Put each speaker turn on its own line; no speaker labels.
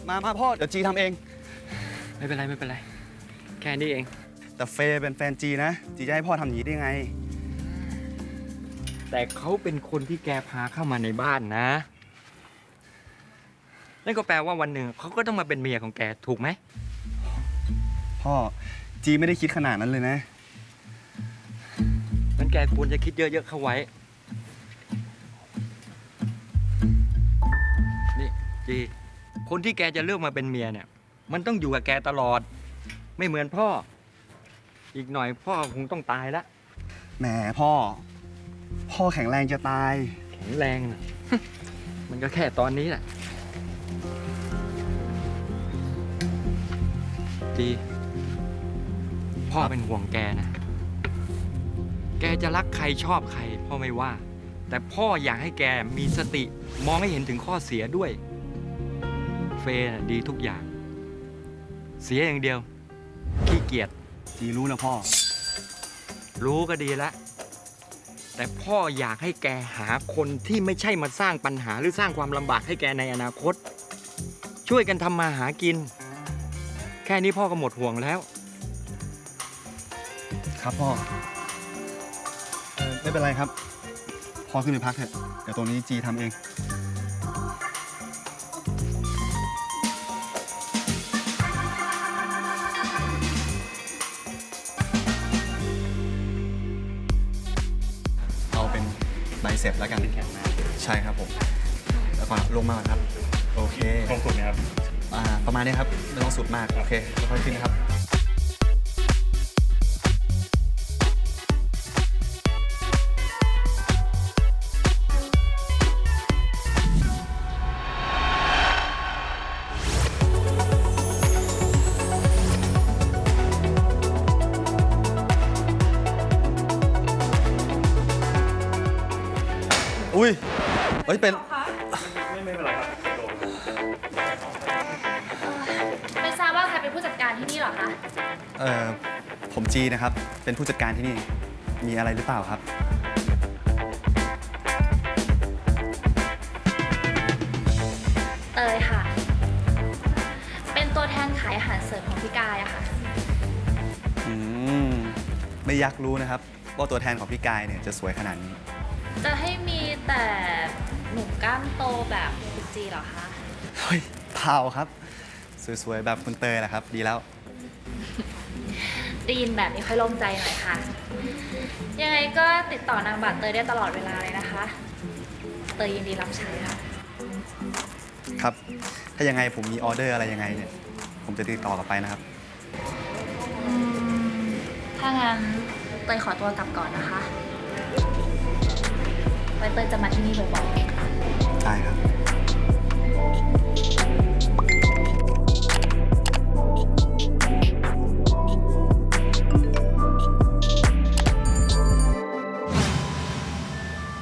มาพ่อเดี๋ยวจีทำเอง
ไม่เป็นไรแค่นี้เอง
แต่เฟย์เป็นแฟนจีนะจีจะให้พ่อทำอย่างนี้ได้ไง
แต่เขาเป็นคนที่แกพาเข้ามาในบ้านนะนั่นก็แปลว่าวันหนึ่งเขาก็ต้องมาเป็นเมียของแกถูกไหม
พ่อจีไม่ได้คิดขนาดนั้นเลยนะ
งั้นแกควรจะคิดเยอะๆเข้าไว้นี่จีคนที่แกจะเลือกมาเป็นเมียเนี่ยมันต้องอยู่กับแกตลอดไม่เหมือนพ่ออีกหน่อยพ่อคงต้องตายละ
แหมพ่อแข็งแรงจะตาย
แข็งแรงนะ มันก็แค่ตอนนี้แหละจีพ่อเป็นห่วงแกนะแกจะรักใครชอบใครพ่อไม่ว่าแต่พ่ออยากให้แกมีสติมองให้เห็นถึงข้อเสียด้วยเฟย์ดีทุกอย่างเสียอย่างเดียวขี้เกียจ
จีรู้นะพ่อ
รู้ก็ดีแล้วแต่พ่ออยากให้แกหาคนที่ไม่ใช่มาสร้างปัญหาหรือสร้างความลำบากให้แกในอนาคตช่วยกันทำมาหากินแค่นี้พ่อก็หมดห่วงแล้ว
ครับพ่อไม่เป็นไรครับพ่อขึ้นไปพักเถอะเดี๋ยวตรงนี้จีทำเองเอาเป็นใบเสร็จแล้วกันใช่ครับผมแล้วก่อนลงมาครับโอเค
ลงสุดไหมครับ
ประมาณนี้ครับไม่ต้องสุดมากโอเคค่อยๆขึ้นนะครับอุ้ยเฮ้ยเป็น
ไม่เป็นไรครับ
ไม่ทราบว่าใครเป็นผู้จัดการที่นี่หรอคะ
ผมจีนะครับเป็นผู้จัดการที่นี่มีอะไรหรือเปล่าครับ
เตยค่ะเป็นตัวแทนขายอาหารเสริมของพี่กายอะค่ะ
ไม่อยากรู้นะครับว่าตัวแทนของพี่กายเนี่ยจะสวยขนาดนี้
จะให้มีแต่หนุ่มกล้ามโตแบบคุณจีเหรอคะ
เฮ้ยเปล่าครับสวยๆแบบคุณเตยแหละครับดีแล้ว
ได้ยินแบบนี้ค่อยโล่งใจหน่อยค่ะยังไงก็ติดต่อนางบัตรเตยได้ตลอดเวลาเลยนะคะเตยยินดีรับใช้ค่ะ
ครับถ้ายังไงผมมีออเดอร์อะไรยังไงเนี่ยผมจะติดต่อกลับไปนะครับ
ถ้างั้นเตยขอตัวกลับก่อนนะคะไว้เตยจะมาที่นี่บ่อยๆ
ได้ครับ